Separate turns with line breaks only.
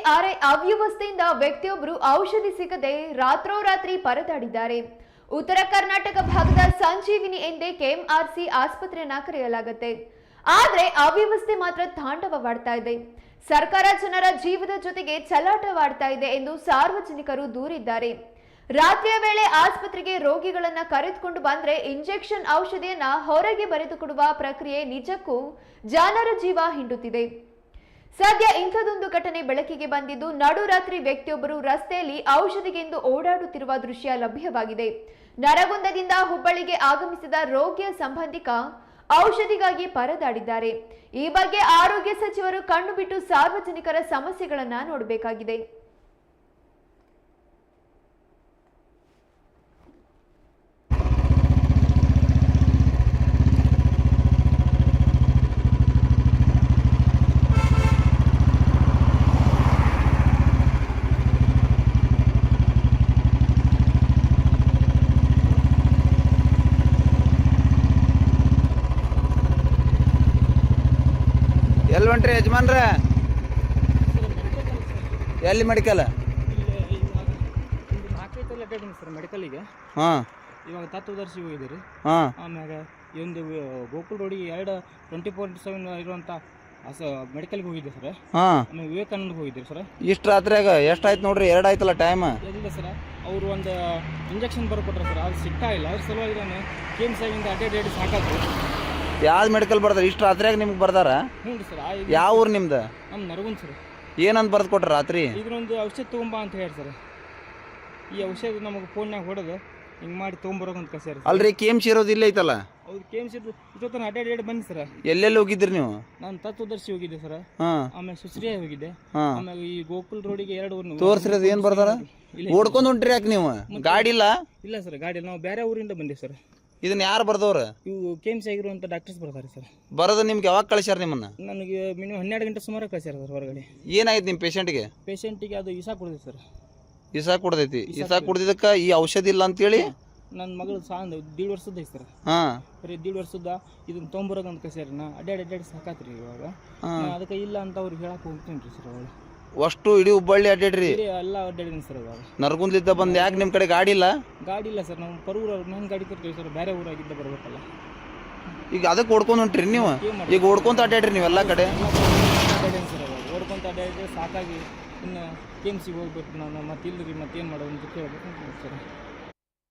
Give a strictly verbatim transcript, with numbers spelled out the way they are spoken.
ಆದರೆ ಅವ್ಯವಸ್ಥೆಯಿಂದ ವ್ಯಕ್ತಿಯೊಬ್ಬರು ಔಷಧಿ ಸಿಗದೆ ರಾತ್ರೋರಾತ್ರಿ ಪರದಾಡಿದ್ದಾರೆ. ಉತ್ತರ ಕರ್ನಾಟಕ ಭಾಗದ ಸಂಜೀವಿನಿ ಎಂದೇ ಕೆಎಂಆರ್ಸಿ ಆಸ್ಪತ್ರೆಯನ್ನ ಕರೆಯಲಾಗುತ್ತೆ. ಆದ್ರೆ ಅವ್ಯವಸ್ಥೆ ಮಾತ್ರ ತಾಂಡವವಾಡ್ತಾ ಇದೆ. ಸರ್ಕಾರ ಜನರ ಜೀವದ ಜೊತೆಗೆ ಚಲಾಟವಾಡ್ತಾ ಇದೆ ಎಂದು ಸಾರ್ವಜನಿಕರು ದೂರಿದ್ದಾರೆ. ರಾತ್ರಿಯ ವೇಳೆ ಆಸ್ಪತ್ರೆಗೆ ರೋಗಿಗಳನ್ನ ಕರೆದುಕೊಂಡು ಬಂದ್ರೆ ಇಂಜೆಕ್ಷನ್ ಔಷಧಿಯನ್ನ ಹೊರಗೆ ಬರೆದುಕೊಡುವ ಪ್ರಕ್ರಿಯೆ ನಿಜಕ್ಕೂ ಜನರ ಜೀವ ಹಿಂಡುತ್ತಿದೆ. ಸದ್ಯ ಇಂಥದೊಂದು ಘಟನೆ ಬೆಳಕಿಗೆ ಬಂದಿದ್ದು, ನಡುರಾತ್ರಿ ವ್ಯಕ್ತಿಯೊಬ್ಬರು ರಸ್ತೆಯಲ್ಲಿ ಔಷಧಿಗೆಂದು ಓಡಾಡುತ್ತಿರುವ ದೃಶ್ಯ ಲಭ್ಯವಾಗಿದೆ. ನರಗುಂದದಿಂದ ಹುಬ್ಬಳ್ಳಿಗೆ ಆಗಮಿಸಿದ ರೋಗಿಯ ಸಂಬಂಧಿಕ ಔಷಧಿಗಾಗಿ ಪರದಾಡಿದ್ದಾರೆ. ಈ ಬಗ್ಗೆ ಆರೋಗ್ಯ ಸಚಿವರು ಕಣ್ಣು ಬಿಟ್ಟು ಸಾರ್ವಜನಿಕರ ಸಮಸ್ಯೆಗಳನ್ನ ನೋಡಬೇಕಾಗಿದೆ.
ಎಲ್ಲಿ ಹೊಂಟ್ರಿ ಯಜಮಾನ್ರ? ಎಲ್ಲಿ ಮೆಡಿಕಲ್?
ಸರ್ ಮೆಡಿಕಲ್ಗೆ
ಹಾಂ
ಇವಾಗ ತತ್ವದರ್ಶಿ ಹೋಗಿದ್ದೀರಿ.
ಹಾಂ
ಆಮ್ಯಾಗ ಈ ಒಂದು ಗೋಕುಲ್ ರೋಡಿಗೆ ಎರಡು ಟ್ವೆಂಟಿ ಫೋರ್ ಇಂಟು ಸೆವೆನ್ ಇರುವಂಥ ಅಸ ಮೆಡಿಕಲ್ಗೆ ಹೋಗಿದ್ದೆ ಸರ್.
ಹಾಂ
ಆಮೇಲೆ ವಿವೇಕಾನಂದಗೆ ಹೋಗಿದ್ದೀರಿ ಸರ್.
ಇಷ್ಟು ರಾತ್ರಿಯಾಗ ಎಷ್ಟಾಯ್ತು ನೋಡ್ರಿ? ಎರಡು ಆಯ್ತಲ್ಲ ಟೈಮ್.
ಎಲ್ಲಿದೆ ಸರ್? ಅವರು ಒಂದು ಇಂಜೆಕ್ಷನ್ ಬರ್ಕೊಟ್ರೆ ಸರ್, ಅದು ಸಿಗ್ತಾ ಇಲ್ಲ. ಅದ್ರ ಸಲುವಾಗಿ ನಾನು ಕೆ ಎಮ್ ಸಾಗಿಂದ ಅಡ್ಡೆ ಡೇಟ್ ಸಾಕಾದ್ರು.
ಯಾವ್ದು ಮೆಡಿಕಲ್ ಬರ್ದಾರ? ಇಷ್ಟು ರಾತ್ರಿಯಾಗ ನಿಮ್ಗೆ ಬರ್ದಾರ?
ಹ್ಞೂ ರೀ ಸರ್.
ಯಾವ ಊರು ನಿಮ್ದು?
ನಮ್ಮ ನರಗುಂದ್ ಸರ್.
ಏನಂತ ಬರ್ದು ಕೊಟ್ರ ರಾತ್ರಿ?
ಇದನ್ನೊಂದು ಔಷಧ ತೊಗೊಂಬಾ ಅಂತ ಹೇಳಿ ಸರ್. ಈ ಔಷಧ ನಮಗೆ ಫೋನ್ಯಾಗ ಹೊಡೆದು ಹಿಂಗೆ ಮಾಡಿ ತೊಗೊಂಬರೋಕಂತ ಕಸ್ಯಾರ.
ಅಲ್ರಿ ಕೆ ಎಮ್ ಸಿ ಇರೋದು ಇಲ್ಲ ಐತಲ್ಲ?
ಅವ್ರು ಕೆ ಎಮ್ ಸಿ ಇಷ್ಟೊತ್ತನ ಅಡ್ಡೆ ಡೇಟ್ ಬನ್ನಿ ಸರ್.
ಎಲ್ಲೆಲ್ಲಿ ಹೋಗಿದ್ರಿ ನೀವು?
ನಾನು ತತ್ವದರ್ಶಿ ಹೋಗಿದ್ದೆ ಸರ್.
ಹಾಂ
ಆಮೇಲೆ ಸುಶ್ರಿಯ ಹೋಗಿದ್ದೆ.
ಹಾಂ
ಆಮೇಲೆ ಈ ಗೋಕುಲ್ ರೋಡಿಗೆ ಎರಡು
ತೋರ್ಸ್ರಿ. ಏನು ಬರ್ದಾರ? ಓಡ್ಕೊಂಡು ಹೊಂಟ್ರಿ ಯಾಕೆ ನೀವು? ಗಾಡಿ ಇಲ್ಲ?
ಇಲ್ಲ ಸರ್, ಗಾಡಿ ಇಲ್ಲ. ನಾವು ಬೇರೆ ಊರಿಂದ ಬಂದೀವಿ ಸರ್.
ಇದನ್ನ ಯಾರು ಬರ್ದವ್ರ?
ಇವು ಕೆ ಎಮ್ ಸಿ ಆಗಿರುವಂಥ ಡಾಕ್ಟರ್ಸ್ ಬರ್ತಾರೆ ಸರ್.
ಬರೋದು ನಿಮ್ಗೆ ಯಾವಾಗ ಕಳಿಸ್ಯಾರ ನಿಮ್ಮನ್ನ?
ನನಗೆ ಮಿನಿಮಮ್ ಹನ್ನೆರಡು ಗಂಟೆ ಸುಮಾರು ಕಳಿಸ್ಯಾರ ಸರ್ ಹೊರಗಡೆ.
ಏನಾಯ್ತು ನಿಮ್ಮ ಪೇಷಂಟ್ಗೆ?
ಪೇಷಂಟಿಗೆ ಅದು ಇಸಾ ಕೊಡಿದೆ ಸರ್.
ಇಸಾ ಕುಡ್ದೈತಿ. ಇಸಾ ಕುಡ್ದಿದ್ದಕ್ಕೆ ಈ ಔಷಧಿ ಇಲ್ಲ ಅಂತೇಳಿ
ನನ್ನ ಮಗಳು ಸಾಂದ್ ದೀಡ್ ವರ್ಷದ ಐತೆ ಸರ್.
ಹಾಂ
ಬರೀ ದೀಡ್ ವರ್ಷದ ಇದನ್ನ ತೊಗೊಂಬರೋಕಂತ ಕಳ್ಸ್ಯಾರ. ನಾ ಅಡ್ಡಾಡಿ ಅಡ್ಡಾಡಿ ಸಾಕಾತ್ರಿ ಇವಾಗ. ಅದಕ್ಕೆ ಇಲ್ಲ ಅಂತ ಅವ್ರಿಗೆ ಹೇಳಕ್ಕೆ ಹೋಗ್ತೀನಿ ರೀ ಸರ್. ಅವಳು
ಅಷ್ಟು ಇಡೀ ಹುಬ್ಬಳ್ಳಿ ಅಡ್ಡಾಡ್ರಿ?
ಎಲ್ಲ ಅಡ್ಡಾಡಿದ್ದೀನಿ ಸರ್. ಇವಾಗ
ನರಗುಂದ್ಲಿದ್ದ ಬಂದು ಯಾಕೆ ನಿಮ್ಮ ಕಡೆ ಗಾಡಿ ಇಲ್ಲ?
ಗಾಡಿ ಇಲ್ಲ ಸರ್. ನಾವು ಪರೂರ ನನ್ನ ಗಾಡಿ ತರ್ತೀವಿ ಸರ್. ಬೇರೆ ಊರಾಗಿದ್ದ ಬರ್ಬೇಕಲ್ಲ.
ಈಗ ಅದಕ್ಕೆ ಓಡ್ಕೊಂಡು ಹೊಂಟ್ರಿ ನೀವು? ಈಗ ಓಡ್ಕೊಂತ ಅಡ್ಡಾಡ್ರಿ ನೀವೆಲ್ಲ ಕಡೆ?
ಅಡ್ಡಾಡೀನಿ ಸರ್. ಇವಾಗ ಓಡ್ಕೊಂತ ಅಡ್ಡಾಡಿದ್ರೆ ಸಾಕಾಗಿ ಇನ್ನು ಕೆ ಎಮ್ ಸಿಗೆ ಹೋಗ್ಬೇಕು ನಾನು. ಮತ್ತೆ ಇಲ್ಲರಿ ಮತ್ತೇನು ಮಾಡೋದು ಅಂತ ಕೇಳ್ಬೇಕು ಸರ್.